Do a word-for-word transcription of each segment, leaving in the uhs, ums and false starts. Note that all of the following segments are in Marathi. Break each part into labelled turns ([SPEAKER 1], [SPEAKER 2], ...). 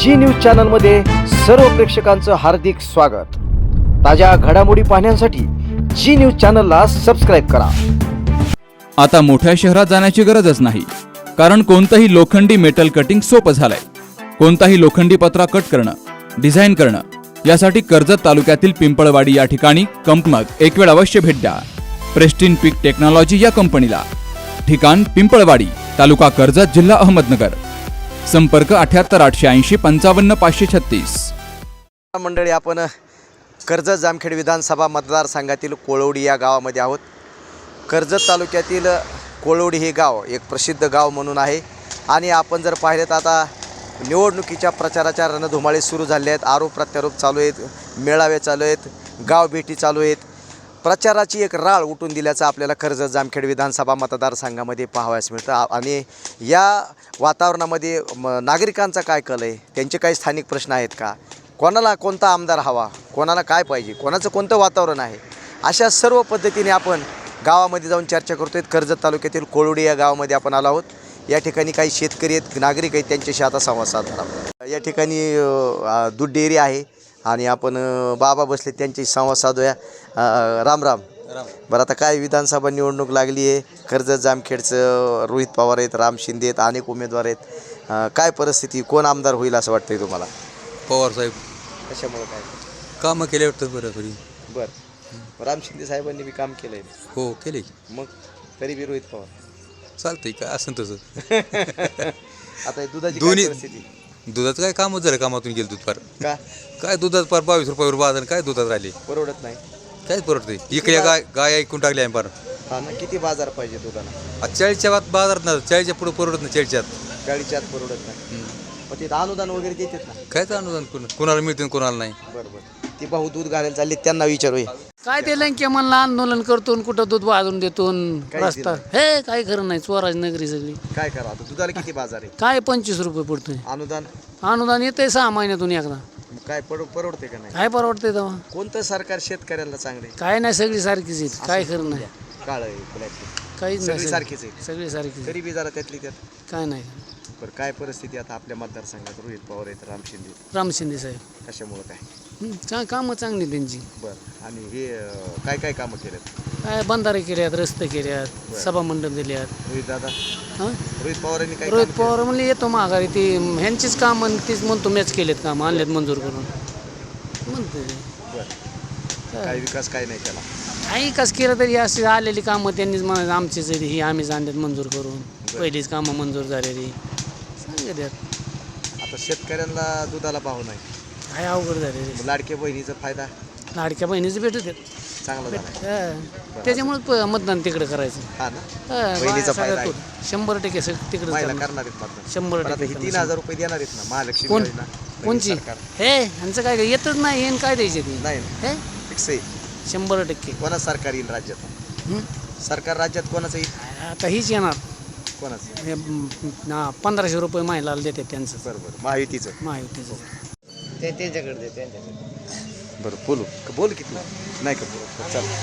[SPEAKER 1] जी न्यूज चॅनलमध्ये सर्व प्रेक्षकांचं हार्दिक स्वागत। ताज्या घडामोडी पाहण्यासाठी जी न्यूज चॅनलला सबस्क्राइब करा।
[SPEAKER 2] आता मोठ्या शहरात जाण्याची गरजच नाही, कारण कोणतंही लोखंडी मेटल कटिंग सोपं झालंय। कोणताही लोखंडी पत्रा कट करणं, डिझाइन करणं यासाठी कर्जत तालुक्यातील पिंपळवाडी या ठिकाणी कंपनीत एक वेळ अवश्य भेट द्या। प्रेस्टिन पीक टेक्नॉलॉजी या कंपनीला। ठिकाण पिंपळवाडी, तालुका कर्जत, जिल्हा अहमदनगर। संपर्क अठ्याहत्तर आठशे ऐंशी पंचावन्न पाचशे छत्तीस।
[SPEAKER 1] मंडळी, आपण कर्जत जामखेड विधानसभा मतदारसंघातील कोळवडी या गावामध्ये आहोत। कर्जत तालुक्यातील कोळवडी हे गाव एक प्रसिद्ध गाव म्हणून आहे आणि आपण जर पाहिले तर आता निवडणुकीच्या प्रचाराच्या रणधुमाळी सुरू झाले आहेत। आरोप प्रत्यारोप चालू आहेत, मेळावे चालू आहेत, गाव भेटी चालू आहेत। प्रचाराची एक राळ उठून दिल्याचं आपल्याला कर्जत जामखेड विधानसभा मतदारसंघामध्ये पाहावयास मिळतं आणि या वातावरणामध्ये नागरिकांचा काय कल आहे, त्यांचे काही स्थानिक प्रश्न आहेत का, कोणाला कोणता आमदार हवा, कोणाला काय पाहिजे, कोणाचं कोणतं वातावरण आहे, अशा सर्व पद्धतीने आपण गावामध्ये जाऊन चर्चा करतोय। कर्जत तालुक्यातील कोळवडी या गावामध्ये आपण आलो आहोत। या ठिकाणी काही शेतकरी आहेत, नागरिक आहेत, त्यांच्याशी आता संवाद साधणार आहोत। या ठिकाणी दूध डेअरी आहे आणि आपण बाबा बसले, त्यांच्याशी संवाद साधूया। राम राम। बरं, आता काय विधानसभा निवडणूक लागली आहे, कर्जत जामखेडचं रोहित पवार आहेत, राम शिंदे आहेत, अनेक उमेदवार आहेत। काय परिस्थिती, कोण आमदार होईल असं वाटतंय तुम्हाला?
[SPEAKER 3] पवार साहेब।
[SPEAKER 1] कशामुळे काय
[SPEAKER 3] कामं केले वाटतं बरं बरी।
[SPEAKER 1] बरं, राम शिंदे साहेबांनी बी काम केलं आहे?
[SPEAKER 3] हो केले।
[SPEAKER 1] मग तरी बी रोहित पवार
[SPEAKER 3] चालतंय, काय असं तसं।
[SPEAKER 1] आता दुधाची
[SPEAKER 3] दोन्ही
[SPEAKER 1] परिस्थिती,
[SPEAKER 3] दुधाचं काय कामच झालं, कामातून गेलं दूध फार
[SPEAKER 1] का
[SPEAKER 3] काय दुधात फार बावीस रुपयावर बाजार, काय दुधात राहिले,
[SPEAKER 1] परवडत नाही?
[SPEAKER 3] कायच परवडते। इकडे गाय गाय ऐकून टाकली आहे फार।
[SPEAKER 1] हा ना, किती बाजार पाहिजे दुधाला?
[SPEAKER 3] चाळीसच्या बात बाजारात ना, चाळीसच्या पुढे परवडत नाही, चाळीसच्या आत
[SPEAKER 1] गाडीच्या आत परवडत नाही। मग ते अनुदान वगैरे देतात ना?
[SPEAKER 3] कायच अनुदान कोण कोणाला मिळते कोणाला नाही।
[SPEAKER 1] बरोबर, ती भाऊ दूध घालायला चालले, त्यांना विचारूया।
[SPEAKER 4] काय ते लंके म्हणला आंदोलन करतो न कुठं दूध वाजून देतो
[SPEAKER 1] काहीच
[SPEAKER 4] रस्ता, हे काय खरं नाही। स्वराज नगरी सगळी
[SPEAKER 1] काय करा आता, दुधाला किती बाजार आहे?
[SPEAKER 4] काय पंचवीस रुपये पडतोय
[SPEAKER 1] अनुदान
[SPEAKER 4] अनुदान, येतंय सहा महिन्यातून एकदा।
[SPEAKER 1] मग काय परव परवडते का नाही?
[SPEAKER 4] काय परवडतंय तेव्हा?
[SPEAKER 1] कोणतं सरकार शेतकऱ्याला चांगले?
[SPEAKER 4] काय नाही, सगळी सारखीच आहेत, काय खरं नाही,
[SPEAKER 1] काळ आहे ब्लॅक,
[SPEAKER 4] काहीच नाही,
[SPEAKER 1] सगळी
[SPEAKER 4] सगळी-
[SPEAKER 1] सारखीच आहे,
[SPEAKER 4] सगळी सारखीच
[SPEAKER 1] तरी बी जरा त्यातली त्यात।
[SPEAKER 4] काय नाही।
[SPEAKER 1] बरं, काय परिस्थिती आता आपल्या मतदारसंघात? रोहित पवार आहेत, राम शिंदे,
[SPEAKER 4] राम शिंदे साहेब
[SPEAKER 1] कशामुळे काय?
[SPEAKER 4] हं, चा कामं चांगली त्यांची।
[SPEAKER 1] बरं, आणि हे अं, काय काय कामं केलेत?
[SPEAKER 4] काय बंधारे केल्यात, रस्ते केल्यात, सभा मंडप दिल्यात।
[SPEAKER 1] रोहित दादा,
[SPEAKER 4] हां,
[SPEAKER 1] रोहित पवारांनी काय
[SPEAKER 4] रोहित
[SPEAKER 1] कामं केलं?
[SPEAKER 4] पवार म्हणले येतो माघारी, ती ह्यांचीच कामं तीच म्हणतो मॅच केलेत, काम आणलेत मंजूर करून म्हणतो ते।
[SPEAKER 1] बरं, काय विकास काय नाही केला?
[SPEAKER 4] काही कस केलं तरी अशी आलेली कामं त्यांनीच म्हणायचं आमचीच आहे ही, आम्हीच आणल्यात मंजूर करून, पहिलीच कामं मंजूर झालेली सांगत।
[SPEAKER 1] आता शेतकऱ्यांना दुधाला भाव नाही,
[SPEAKER 4] काय अवघड झालेली।
[SPEAKER 1] लाडक्या बहिणीचा फायदा
[SPEAKER 4] लाडक्या बहिणीचं भेटत आहेत,
[SPEAKER 1] चांगला झाला
[SPEAKER 4] त्याच्यामुळे मतदान तिकडे करायचं।
[SPEAKER 1] हा ना,
[SPEAKER 4] हा,
[SPEAKER 1] बहिणीचा
[SPEAKER 4] सगळ्यात
[SPEAKER 1] फायदा आहे.
[SPEAKER 4] तो शंभर टक्के तिकडे
[SPEAKER 1] महिला करणार आहेत मतदान.
[SPEAKER 4] शंभर
[SPEAKER 1] पण आता
[SPEAKER 4] टक्के
[SPEAKER 1] ही तीन हजार रुपये देणार आहेत ना महालक्ष्मी
[SPEAKER 4] कोण
[SPEAKER 1] योजना, नवीन
[SPEAKER 4] कोणची
[SPEAKER 1] सरकार.
[SPEAKER 4] हे ह्यांचं काय येतच नाही, हे काय द्यायचे ते
[SPEAKER 1] नाही
[SPEAKER 4] हे
[SPEAKER 1] फिक्स आहे.
[SPEAKER 4] शंभर टक्के।
[SPEAKER 1] कोणाचं सरकार येईल राज्यात?
[SPEAKER 4] हं?
[SPEAKER 1] सरकार राज्यात कोणाचं येईल?
[SPEAKER 4] आता हीच येणार,
[SPEAKER 1] कोणाचं?
[SPEAKER 4] हे ना पंधराशे रुपये महिलाला देतात त्यांचं,
[SPEAKER 1] बरोबर, महायुतीचं.
[SPEAKER 4] महायुतीचं।
[SPEAKER 1] ते त्यांच्याकडे दे, त्यांच्याकडे। बरं, बोलू बोल किती नाही का बोल, चल।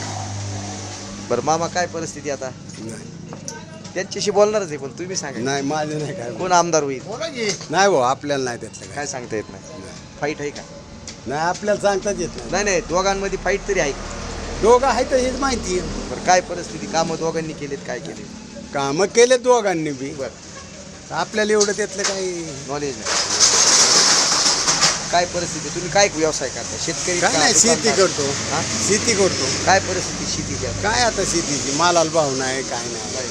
[SPEAKER 1] बरं मामा, काय परिस्थिती आता? त्यांच्याशी बोलणारच आहे, पण तुम्ही सांगा
[SPEAKER 5] नाही, माझं नाही काय,
[SPEAKER 1] कोण आमदार होईल?
[SPEAKER 5] नाही भाऊ, आपल्याला नाही त्यातलं काय.
[SPEAKER 1] काय सांगता येत नाही, फाईट आहे का?
[SPEAKER 5] नाही, आपल्याला सांगताच येत नाही.
[SPEAKER 1] नाही नाही, दोघांमध्ये फाईट तरी आहे का?
[SPEAKER 5] दोघं आहे तर हेच माहिती आहे.
[SPEAKER 1] बरं, काय परिस्थिती, कामं दोघांनी केलेत, काय केले?
[SPEAKER 5] कामं केले दोघांनी बी,
[SPEAKER 1] बरं,
[SPEAKER 5] आपल्याला एवढं त्यातलं काही
[SPEAKER 1] नॉलेज नाही। काय परिस्थिती, तुम्ही काय व्यवसाय करता? शेतकरी
[SPEAKER 5] काय
[SPEAKER 1] का?
[SPEAKER 5] नाही, शेती
[SPEAKER 1] दुकानदार?
[SPEAKER 5] करतो,
[SPEAKER 1] हा?
[SPEAKER 5] शेती करतो.
[SPEAKER 1] काय परिस्थिती शेतीची आता?
[SPEAKER 5] काय आता शेतीची, मालाला भाव नाही, काय नाही.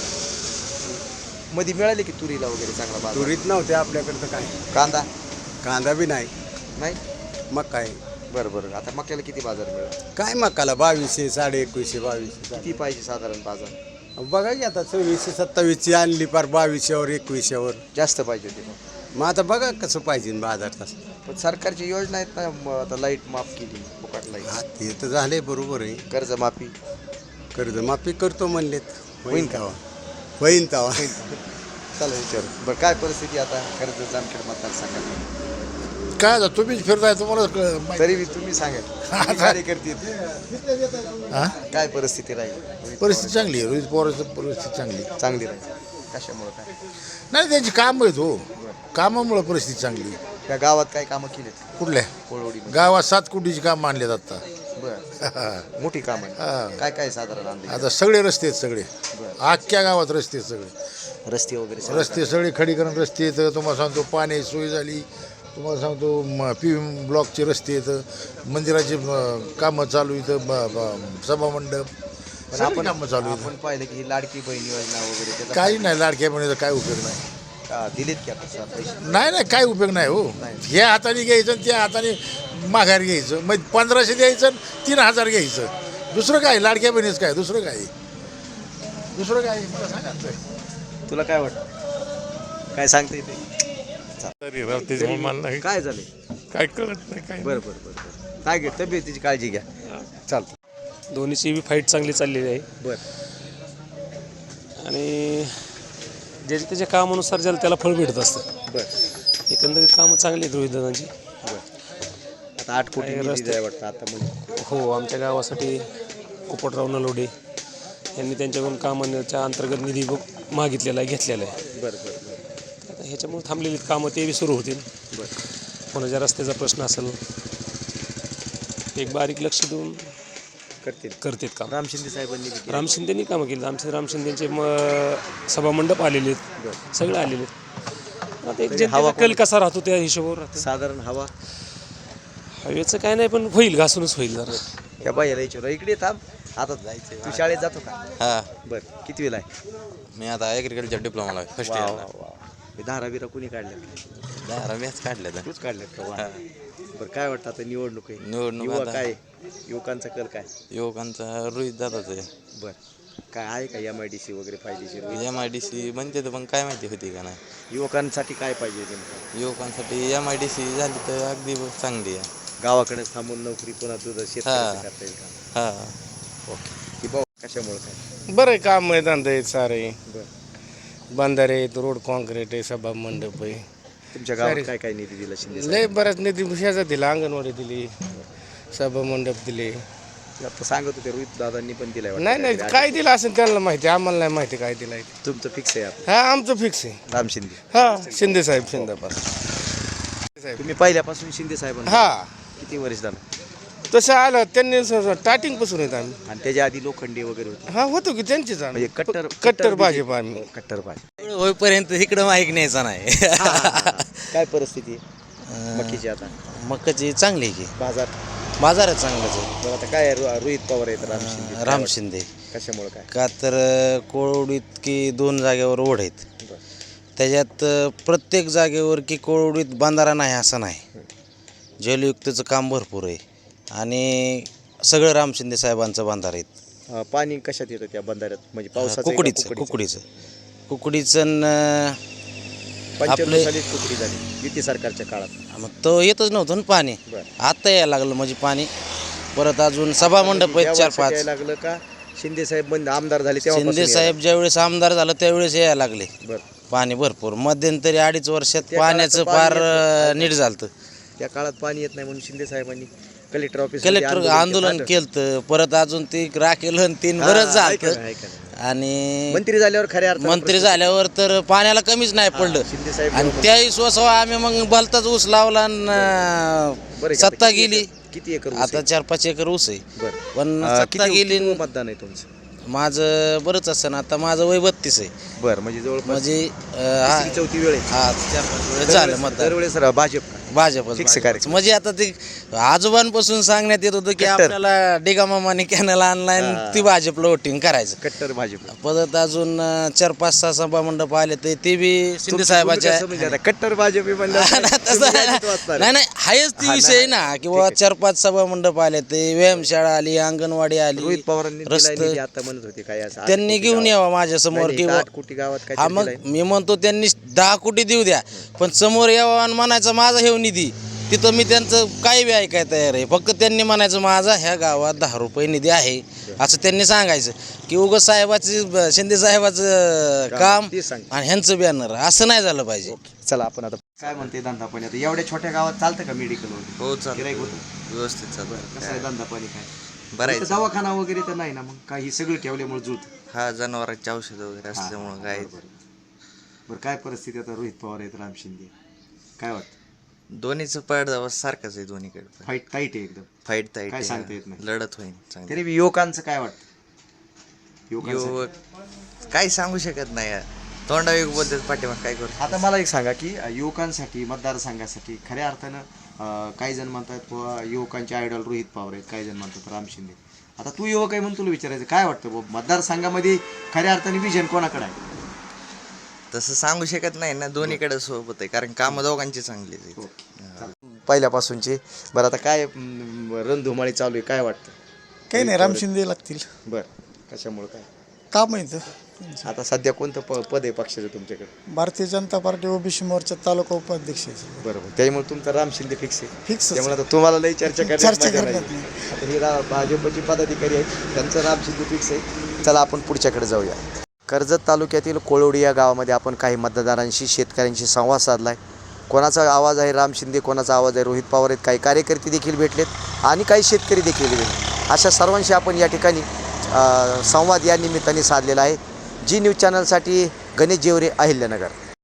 [SPEAKER 1] मध्ये मिळाली की तुरीला वगैरे चांगला बाजार?
[SPEAKER 5] तुरीत नव्हते आपल्याकडं, तर काय
[SPEAKER 1] कांदा
[SPEAKER 5] कांदा बी नाही,
[SPEAKER 1] नाही?
[SPEAKER 5] मग काय
[SPEAKER 1] बरं बरं, आता मक्याला किती बाजार मिळेल?
[SPEAKER 5] काय मकाला बावीसशे, साडे एकवीसशे, बावीसशे.
[SPEAKER 1] किती पाहिजे साधारण बाजार?
[SPEAKER 5] बघा की आता सव्वीसशे सत्तावीसची आणली पार बावीसशेवर एकवीसशेवर,
[SPEAKER 1] जास्त पाहिजे होती मग.
[SPEAKER 5] मग आता बघा कसं पाहिजे बाजार तसं.
[SPEAKER 1] पण सरकारची योजना आहेत ना, म आता लाईट माफ केली, फुकट लाईट,
[SPEAKER 5] हा, ते तर झाले, बरोबर आहे.
[SPEAKER 1] कर्जमाफी
[SPEAKER 5] कर्जमाफी करतो म्हणलेत,
[SPEAKER 1] होईन
[SPEAKER 5] होईन
[SPEAKER 1] का?
[SPEAKER 5] तवा, होईन तवा.
[SPEAKER 1] चला विचार. बरं, काय परिस्थिती आता कर्जत जामखेड मतदारसंघात?
[SPEAKER 6] काय आता तुम्हीच फिरताय, तुम्हाला कळ- माहिती-
[SPEAKER 1] तरी बी तुम्ही सांगा, कार्यकर्ते
[SPEAKER 6] हा?
[SPEAKER 1] काय परिस्थिती राहील?
[SPEAKER 6] परिस्थिती चांगली आहे, रोहित पवारांची परिस्थिती चांगली आहे.
[SPEAKER 1] चांगली राहील, कशामुळे काय?
[SPEAKER 6] नाही, त्यांची कामं आहेत हो, कामामुळे परिस्थिती चांगली आहे.
[SPEAKER 1] त्या गावात काय कामं केलीत
[SPEAKER 6] कुठल्या
[SPEAKER 1] कोळवडी
[SPEAKER 6] गावात सात कोटीची काम मानले आता
[SPEAKER 1] बर मोठी कामं
[SPEAKER 6] हा.
[SPEAKER 1] आहे काय काय साधारण अंदाज?
[SPEAKER 6] आता सगळे रस्ते आहेत सगळे अख्ख्या गावात रस्ते आहेत सगळे
[SPEAKER 1] रस्ते वगैरे सगळं
[SPEAKER 6] रस्ते सगळे खडीकरण रस्ते आहेत तुम्हाला सांगतो पाणी सोय झाली तुम्हाला सांगतो पी ब्लॉकचे रस्ते आहेत मंदिराची म, कामं चालू इथं ब- ब- सभामंडप
[SPEAKER 1] पण
[SPEAKER 6] सगळी
[SPEAKER 1] आपण
[SPEAKER 6] कामं चालू आहेत
[SPEAKER 1] आपण पाहिलं की ही लाडकी बहीण योजना वगैरे त्याचा
[SPEAKER 6] काही नाही लाडक्या बहिणीचा काय उपयोग नाही
[SPEAKER 1] का दिलेत की आता सर पैसे
[SPEAKER 6] नाही नाही काय उपयोग नाही हो ह्या हाताने घ्यायचं आणि त्या हाताने माघार घ्यायचं मग पंधराशे द्यायचं आणि तीन हजार घ्यायचं दुसरं काय लाडक्या बहिणीचं काय दुसरं काय दुसरं काय मला सांगा ना.
[SPEAKER 1] तुला काय वाटतं काय सांगता येते
[SPEAKER 7] तरी रात्रीचे मला नाही
[SPEAKER 1] काय झाले
[SPEAKER 7] काय कळत नाही काय
[SPEAKER 1] बरं बरं बरं बरं काय घे तब्येतीची काळजी घ्या चालतं
[SPEAKER 8] दोन्हीची बी फाईट चांगली चाललेली आहे
[SPEAKER 1] बरं
[SPEAKER 8] आणि ज्याच्या त्याच्या कामानुसार ज्याला त्याला फळ भेटत असतं
[SPEAKER 1] बरं
[SPEAKER 8] एकंदरीत कामं चांगली आहेत रोहितदादांची
[SPEAKER 1] बरं आता आठ कोटी
[SPEAKER 8] काय
[SPEAKER 1] निधी
[SPEAKER 8] रस्ते-
[SPEAKER 1] द्यायला वाटतं आता म्हणजे
[SPEAKER 8] हो आमच्या गावासाठी पोपटराव नलोडे यांनी त्यांच्याकडून कामाच्या अंतर्गत निधी बघ मागितलेला आहे घेतलेला आहे
[SPEAKER 1] बरं बरं बरं
[SPEAKER 8] आता ह्याच्यामुळे थांबलेली कामं ते बी सुरू होतील
[SPEAKER 1] बरं
[SPEAKER 8] कोणाच्या रस्त्याचा प्रश्न असेल एक बारीक लक्ष देऊन
[SPEAKER 1] करतील
[SPEAKER 8] करतात काम
[SPEAKER 1] राम शिंदे साहेबांनी बी केलं.
[SPEAKER 8] राम शिंदेनी कामं केली आमचे राम शिंदेचे म सभामंडप आलेले आहेत सगळे आलेले आहेत आता एक जनतेचा कल कसा राहतो त्या हिशोबावर राहतं
[SPEAKER 1] साधारण हवा
[SPEAKER 8] हवेचं काय नाही पण होईल घासूनच होईल जरा
[SPEAKER 1] या बाई यायच्या इकडे थांब आता जायचं तू शाळेत जातो का
[SPEAKER 9] हा
[SPEAKER 1] बरं किती वेळ आहे
[SPEAKER 9] मी आता ॲग्रिकल्चर डिप्लोमाला आहे फर्स्ट इयरला
[SPEAKER 1] हे दहा बिरा कोणी काढल्या
[SPEAKER 9] दहा मॅच काढले तर
[SPEAKER 1] तूच काढल्यात का वा. बरं काय वाटतं आता निवडणूक आहे
[SPEAKER 9] निवडणूक
[SPEAKER 1] युवा
[SPEAKER 9] आता-
[SPEAKER 1] काय युवकांचा कल काय
[SPEAKER 9] युवकांचा रोहित दादाच आहे
[SPEAKER 1] बरं काय आहे का एम आय डी सी वगैरे फायदेशीर
[SPEAKER 9] एम आय डी सी म्हणते तर पण काय माहिती होती का नाही
[SPEAKER 1] युवकांसाठी काय पाहिजे नेमकं
[SPEAKER 9] युवकांसाठी एम आय डी सी झाली तर अगदी चांगली आहे
[SPEAKER 1] गावाकडेच थांबून नोकरी पुन्हा तुझं शेतकऱ्याचं
[SPEAKER 9] हा.
[SPEAKER 1] करता येईल का
[SPEAKER 9] हा
[SPEAKER 1] ओके की भाऊ कशामुळे काय
[SPEAKER 10] बरं काम आहे धंदे आहेत सारे
[SPEAKER 1] बरं
[SPEAKER 10] बंधारे आहेत रोड कॉन्क्रीट आहे सभा मंडप आहे
[SPEAKER 1] तुमच्या गावात काय काय निधी दिला शिंदे
[SPEAKER 10] लय बऱ्याच निधी ह्याचा दिला अंगणवाडी दिली सभा मंडप दिले
[SPEAKER 1] साहेब? आता सांगत होते रोहित दादांनी पण दिलाय वाटतं
[SPEAKER 10] नाही नाही
[SPEAKER 1] काहीतरी.
[SPEAKER 10] काय दिलं असेल त्यांना माहिती आम्हाला नाही माहिती काय दिलं आहे ते.
[SPEAKER 1] तुमचं फिक्स आहे आता
[SPEAKER 10] हा आमचं फिक्स आहे
[SPEAKER 1] राम शिंदे
[SPEAKER 10] हा शिंदे साहेब शिंदाबाद
[SPEAKER 1] तुम्ही पहिल्यापासून शिंदे साहेबांना
[SPEAKER 10] हा
[SPEAKER 1] किती वर्ष झालं
[SPEAKER 10] तसं आलं त्यांनी स्टार्टिंग पासून येत आम्ही
[SPEAKER 1] आणि त्याच्या आधी लोखंडे वगैरे होते
[SPEAKER 10] हा होतो की त्यांचीच आम्ही
[SPEAKER 1] म्हणजे कट्टर
[SPEAKER 10] कट्टर भाजप आम्ही
[SPEAKER 1] कट्टर भाजप
[SPEAKER 9] होईपर्यंत इकडं माहीत न्यायचा नाही
[SPEAKER 1] काय परिस्थिती आहे मकीची आता
[SPEAKER 9] मकाची चांगली आहे की
[SPEAKER 1] बाजार
[SPEAKER 9] बाजारात चांगलंच आहे
[SPEAKER 1] बरं आता काय आहे? रो- रोहित पवार आहेत राम शिंदे काय
[SPEAKER 9] राम
[SPEAKER 1] वाटतं?
[SPEAKER 9] शिंदे
[SPEAKER 1] कशामुळे काय
[SPEAKER 9] का तर कोळवडीत की दोन जागेवर ओढ आहेत
[SPEAKER 1] बरं.
[SPEAKER 9] त्याच्यात अ, प्रत्येक जागेवर की कोळवडीत बांधारा नाही असं नाही जलयुक्तचं काम भरपूर आहे आणि सगळं राम शिंदे साहेबांचं बांधार आहेत
[SPEAKER 1] अं, पाणी कशात येतं त्या बंधाऱ्यात म्हणजे पावसाचं
[SPEAKER 9] कुकडीचं कुकडीचं कुकडीचं न,
[SPEAKER 1] पंच्याण्णव
[SPEAKER 9] आपले-
[SPEAKER 1] सालीच कुकडी झाली युती सरकारच्या काळात
[SPEAKER 9] मग तो येतच नव्हतं ना पाणी
[SPEAKER 1] बरं.
[SPEAKER 9] आता यायला लागलं म्हणजे पाणी परत अजून सभा मंडप आहेत चार पाच
[SPEAKER 1] यायला लागलं का शिंदे साहेब बंद आमदार झाले तेव्हा
[SPEAKER 9] शिंदे साहेब ज्यावेळेस आमदार झालं त्यावेळेस यायला लागले
[SPEAKER 1] बरं
[SPEAKER 9] पाणी भरपूर मध्यंतरी अडीच वर्षात
[SPEAKER 1] त्या काळात
[SPEAKER 9] पाण्याचं
[SPEAKER 1] पाणी
[SPEAKER 9] फार
[SPEAKER 1] येत
[SPEAKER 9] अ, नीट झालं
[SPEAKER 1] त्या काळात पाणी येत नाही म्हणून शिंदे साहेबांनी कलेक्टर ऑफिस
[SPEAKER 9] कलेक्टर आंदोलन केलं परत अजून ती राखेल तीन बरंच झालं आणि
[SPEAKER 1] मंत्री झाल्यावर खऱ्या अर्थानं
[SPEAKER 9] मंत्री झाल्यावर तर पाण्याला कमीच नाही पडलं
[SPEAKER 1] शिंदे साहेब
[SPEAKER 9] आणि त्या विश्वासावर आम्ही मग भलताच ऊस लावला आणि
[SPEAKER 1] बरं
[SPEAKER 9] अं,
[SPEAKER 1] का?
[SPEAKER 9] सत्ता
[SPEAKER 1] किती
[SPEAKER 9] गेली
[SPEAKER 1] एकर- किती एकर ऊस
[SPEAKER 9] आता
[SPEAKER 1] आहे?
[SPEAKER 9] चार पाच एकर ऊस आहे
[SPEAKER 1] बरं
[SPEAKER 9] पण
[SPEAKER 1] अं,
[SPEAKER 9] सत्ता
[SPEAKER 1] किती
[SPEAKER 9] गेली
[SPEAKER 1] किती मतदान आहे तुमचं
[SPEAKER 9] माझं बरंच असं आता माझं वय बत्तीस आहे
[SPEAKER 1] बरं म्हणजे जवळपास
[SPEAKER 9] म्हणजे अं, हा-
[SPEAKER 1] तिसरी चौथी वेळ आहे
[SPEAKER 9] हा चार पाच वेळेस झालं
[SPEAKER 1] दरवेळेस-
[SPEAKER 9] मतदान
[SPEAKER 1] दरवेळेस रा- भाजप का?
[SPEAKER 9] भाजपच
[SPEAKER 1] फिक्स
[SPEAKER 9] भाजपच.
[SPEAKER 1] कार्यक्रम.
[SPEAKER 9] म्हणजे आता ते आजोबांपासून सांगण्यात येत होतं की
[SPEAKER 1] कट्टर.
[SPEAKER 9] आपल्याला डिगामामाने कॅनल ऑनलाईन
[SPEAKER 1] हा.
[SPEAKER 9] ती भाजपला वोटिंग करायचं
[SPEAKER 1] कट्टर भाजप
[SPEAKER 9] परत अजून अं, चार पाच सहा सभा मंडप आले ते ते बी शिंदे साहेबाच्या
[SPEAKER 1] कट्टर भाजप आहे म्हणल्यावर
[SPEAKER 9] तसं
[SPEAKER 1] तुम्ही यादीत वाचणार.
[SPEAKER 9] नाही नाही हायच ती
[SPEAKER 1] हा,
[SPEAKER 9] विषय
[SPEAKER 1] नाही,
[SPEAKER 9] ना
[SPEAKER 1] नाही.
[SPEAKER 9] की बाबा चार पाच सभा मंडप आले ते व्यायामशाळा आली अंगणवाडी आली
[SPEAKER 1] रोहित पवारांनी दिलाय
[SPEAKER 9] रस्ते
[SPEAKER 1] निधी आता म्हणत होते काय असं आठ
[SPEAKER 9] त्यांनी
[SPEAKER 1] कोटी
[SPEAKER 9] घेऊन
[SPEAKER 1] गावात.
[SPEAKER 9] यावं माझ्या समोर
[SPEAKER 1] नाही, नाही,
[SPEAKER 9] किंवा
[SPEAKER 1] आठ कोटी गावात काय
[SPEAKER 9] हा मग मी म्हणतो त्यांनी दहा कोटी देऊ द्या पण समोर यावं आणि म्हणायचं माझा हे निधी तिथं मी त्यांचं काही बी ऐकाय तयार आहे फक्त त्यांनी म्हणायचं माझा ह्या गावात दहा रुपये निधी आहे असं त्यांनी सांगायचं की उगाच साहेबाचं शिंदे साहेबाचं काम
[SPEAKER 1] ते सांग.
[SPEAKER 9] आणि ह्यांचं बॅनर असं नाही झालं पाहिजे
[SPEAKER 1] चला आपण आता काय म्हणते धंदा पाणी आता एवढ्या छोट्या गावात चालतं का मेडिकल वगैरे
[SPEAKER 9] हो
[SPEAKER 1] गिऱ्हाईक होतं
[SPEAKER 9] व्यवस्थित चालू
[SPEAKER 1] कसं आहे धंदा पाणी काय
[SPEAKER 9] बरं
[SPEAKER 1] इथं दवाखाना वगैरे तर नाही ना मग काही सगळं ठेवल्यामुळे जुत
[SPEAKER 9] हा जनावरांची औषधं वगैरे असल्यामुळं काय
[SPEAKER 1] बरं काय परिस्थिती आता रोहित पवार आहेत राम शिंदे काय वाटतं
[SPEAKER 11] दोन्हीचं पड सारखंच आहे दोन्हीकडे.
[SPEAKER 1] फाईट टाईट आहे एकदम.
[SPEAKER 11] फाईट ताईट
[SPEAKER 1] काय
[SPEAKER 11] आहे.
[SPEAKER 1] सांगता येत नाही.
[SPEAKER 11] लढत होईल चांगली.
[SPEAKER 1] तरी युवकांचं काय वाटतं? युवकांचं
[SPEAKER 11] युवक काही सांगू शकत नाही यार. तोंडावे बोलतात पाठीमाग काय करू.
[SPEAKER 1] आता मला एक सांगा की अ, युवकांसाठी मतदारसंघासाठी खऱ्या अर्थानं अ, काही जण म्हणतात बुवा युवकांचे आयडॉल रोहित पवार आहेत, काही जण म्हणतात राम शिंदे. आता तू युवक आहे म्हणून तुला विचारायचं काय वाटतं बुवा मतदारसंघामध्ये खऱ्या अर्थाने विजन कोणाकडे आहे?
[SPEAKER 11] तसं सांगू शकत नाही ना, दोन्हीकडे सोबत आहे कारण कामं दोघांची चांगली आहेत.
[SPEAKER 1] पहिल्यापासूनची. बरं आता काय म, रणधुमाळी चालू आहे काय वाटतं?
[SPEAKER 5] काही नाही, राम शिंदे लागतील.
[SPEAKER 1] बरं कशामुळं काय?
[SPEAKER 5] का माहिती
[SPEAKER 1] आता सध्या कोणतं प पद आहे पक्षाचं तुमच्याकडे?
[SPEAKER 5] भारतीय जनता पार्टी ओबीसी मोर्चा तालुका उपाध्यक्ष
[SPEAKER 1] बरोबर, त्यामुळे तुमचं राम शिंदे फिक्स आहे.
[SPEAKER 5] फिक्स
[SPEAKER 1] त्यामुळे आता तुम्हाला लई चर्चा करण्यात
[SPEAKER 5] चर्चा
[SPEAKER 1] मजा
[SPEAKER 5] करण्यात
[SPEAKER 1] नाही. आता ही रा भाजपची पदाधिकारी आहेत त्यांचं राम शिंदे फिक्स आहे. चला आपण पुढच्याकडे जाऊया. कर्जत तालुक्यातील कोळवडी या गावामध्ये आपण काही मतदारांशी शेतकऱ्यांशी संवाद साधला आहे. कोणाचा आवाज आहे राम शिंदे, कोणाचा आवाज आहे रोहित पवार आहेत, काही कार्यकर्ते देखील भेटलेत आणि काही शेतकरी देखील भेटले. अशा सर्वांशी आपण या ठिकाणी अ, संवाद या निमित्ताने साधलेला आहे. जी न्यूज चॅनलसाठी गणेश जेवरे, अहिल्यानगर.